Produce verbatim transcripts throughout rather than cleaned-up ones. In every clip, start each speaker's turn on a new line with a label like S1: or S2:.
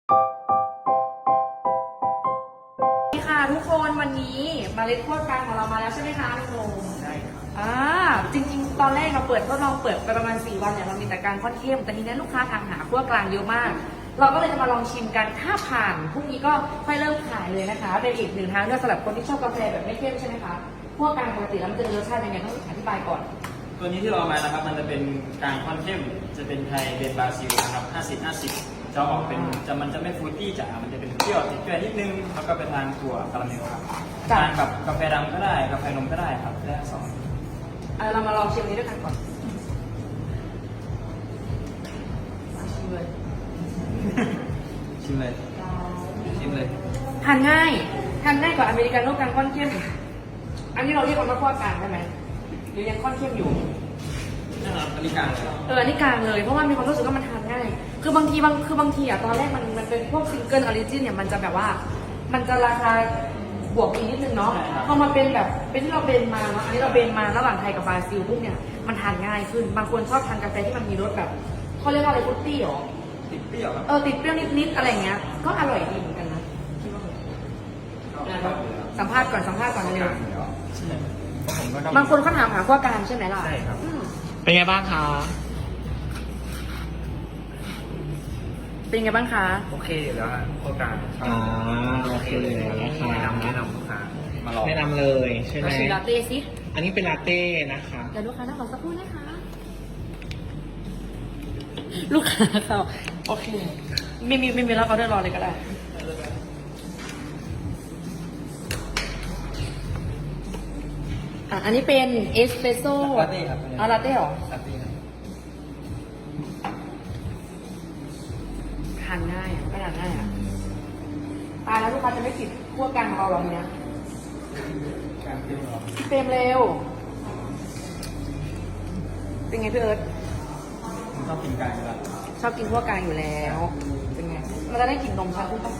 S1: ค่ะทุกคนวันนี้เมล็ดคั่วกลางของเรามาแล้วใช่ไหมคะพี่โมใช่ครับอ่าจริงๆ ตอนแรกเราเปิดทดลองเปิดไปประมาณสี่วันเนี่ยเรามีแต่การค่อนเข้มแต่ทีนี้ลูกค้าทางหาคั่วกลางเยอะมากเราก็เลยจะมาลองชิมกันถ้าผ่านพรุ่งนี้ก็ค่อยเริ่มขายเลยนะคะเป็นอีกหนึ่งทางเลือกสำหรับคนที่ชอบกาแฟแบบไม่เข้มใช่ไหมคะคั่วกลางปกติแล้วมันจะมีรสชาติยังไงต้องอธิบายก่อน
S2: ตัวนี้ที่เราเอามานะครับมันจะเป็นกลางค่อนเข้มจะเป็นไทยเบนบราซิลนะครับห้าสิบ ห้าสิบจะออกเป็นจะมันจะไม่ฟรุตตี้จ๋ามันจะเป็นเปรี้ยวติดเปรี้ยวนิดนึงแล้วก็ไปทานถั่วคาราเมลครับทานกับกาแฟดำก็ได้กาแฟนมก็ได้ครับได้ทั้งสอง
S1: เอาเรามาลองชิมนี้ด้วยกันก่อนมาชิมเลย
S2: ชิมเลยชิมเลย
S1: ทานง่ายทานง่ายกว่าอเมริกาโน่กลางค่อนเข้มอันนี้เราเรียกว่าคั่วกลางใช่ไหมหรือยังค่อนเข้มอยู่
S2: นั่นแหละอันนี้กลางเลย
S1: เอออันนี้กลางเลยเพราะว่ามีความรู้สึกว่ามันทานง่ายคือบางทีบางคือบางทีอ่ะตอนแรกมันมันเป็นพวกซิงเกิลออริจินเนี่ยมันจะแบบว่ามันจะราคาบวกอีกนิดนึงเนาะพอมาเป็นแบบเป็นที่เราเบนมาเนาะอันนี้เราเบนมาระหว่างไทยกับบราซิลพวกเนี่ยมันทานง่ายขึ้นบางคนชอบทานกาแฟที่มันมีรสแบบเขาเรียกว่าอะไรฟรุตตี้หรอ
S2: ติดเปรี้ยว
S1: เออติดเปรี้ยวนิดๆอะไรเงี้ยก็อร่อยดีเหมือนกันนะคิดว่าสัมภาษณ์ก่อนสัมภาษณ์ก่อนเร็วบางคนเขาถามหาขั้วกลางใช่ไหมล่ะ
S2: ใช่ครับ
S3: เป็นไงบ้างคะ
S1: เป็นไงบ้างคะ
S2: โอเคแล้วฮะขั้วกลาง
S3: อ๋อโอเคเลยนะคะ
S2: แนะนำแนะนำลูกค้ามาลอง
S3: แนะนำเลยใช่ไหม
S1: ชิมลาเต้สิ
S3: อันนี้เป็นลาเต้นะคะ
S1: เดี๋ยวลูกค้านั่งรอสักครู่นะคะลูกค้าเขาโอเคไม่มีไม่มีแล้วเขาได้รอเลยก็ได้อ่ะอันนี้เป็นเอสเปรสโซ่
S2: ลาเต้ครับ
S1: เอาลาเต้หรอ
S2: ลาเต้ครับ
S1: ทานง่ายก็ทานง่ายอ่ะตายแล้วลูกค้าจะไม่ติดขั้วกลางของเราหรอเนี้ยเต็มเร็วเป็นไงพี่เอิร์ธ
S2: ผมชอบกินกลางอยู่แล้ว
S1: ชอบกินขั้วกลางอยู่แล้วเป็นไงมันจะได้กลิ่นนมชัดขึ้นป่ะ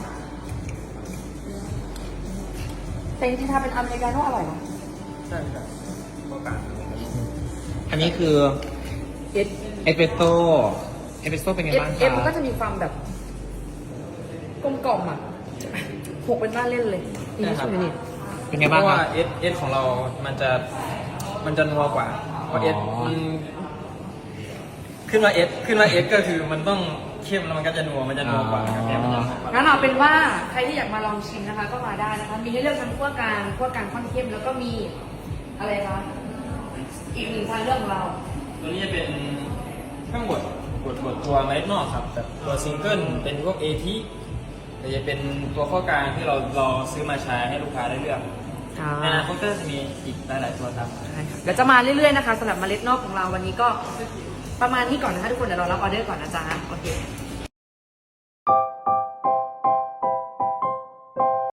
S1: แต่จริงๆถ้าเป็นอเมริกาโน่อร่อยนะ
S2: ใช่ครับขั้วกลาง
S3: อันนี้คือ
S1: เอส
S3: เอสเปรสโซ่เอสเปรสโซ่เป็นไงบ้างคะ
S1: เอ็มก็จะมีความแบบกลมกล่อมอ่ะหกเป็นบ้านเล่นเลยนี่ชิมนี่
S3: เป็นไง
S2: เพ
S3: บ้าง
S2: ราะว่า
S3: คะ
S2: เอสเอสของเรามันจะมันจะนัวกว่าเพราะเอสขึ้นมาเอสขึ้นมาเอสก็คือมันต้องเข้มแล้วมันก็จะนัวมันจะนัวกว่ากาแฟมันจะนัวกว่า
S1: งั้นเอาเป็นว่าใครที่อยากมาลองชิมนะคะ ก็มาได้นะคะมีให้เลือกทั้งขั้วกลางขั้วกลางค่อนเข้มแล้วก็มีอะไรคะอีกหนึ่งทางเลือกของเรา
S2: ตัวนี้จะเป็นเครื่องบดบดบดตัวเมล็ดนอกครับแบบตัวซิงเกิลเป็นพวกเอทีแต่จะเป็นตัวข้อกลางที่เรารอซื้อมาใช้ให้ลูกค้าได้เลือกในอนาคตก็จะมีอีกหลายๆตัวครับ
S1: ใช่ค่ะเดี๋ยวจะมาเรื่อยๆนะคะสำหรับเมล็ดนอกของเราวันนี้ก็ประมาณนี้ก่อนนะคะทุกคนเดี๋ยวเรารับออเดอร์ก่อนนะจ๊ะโอเค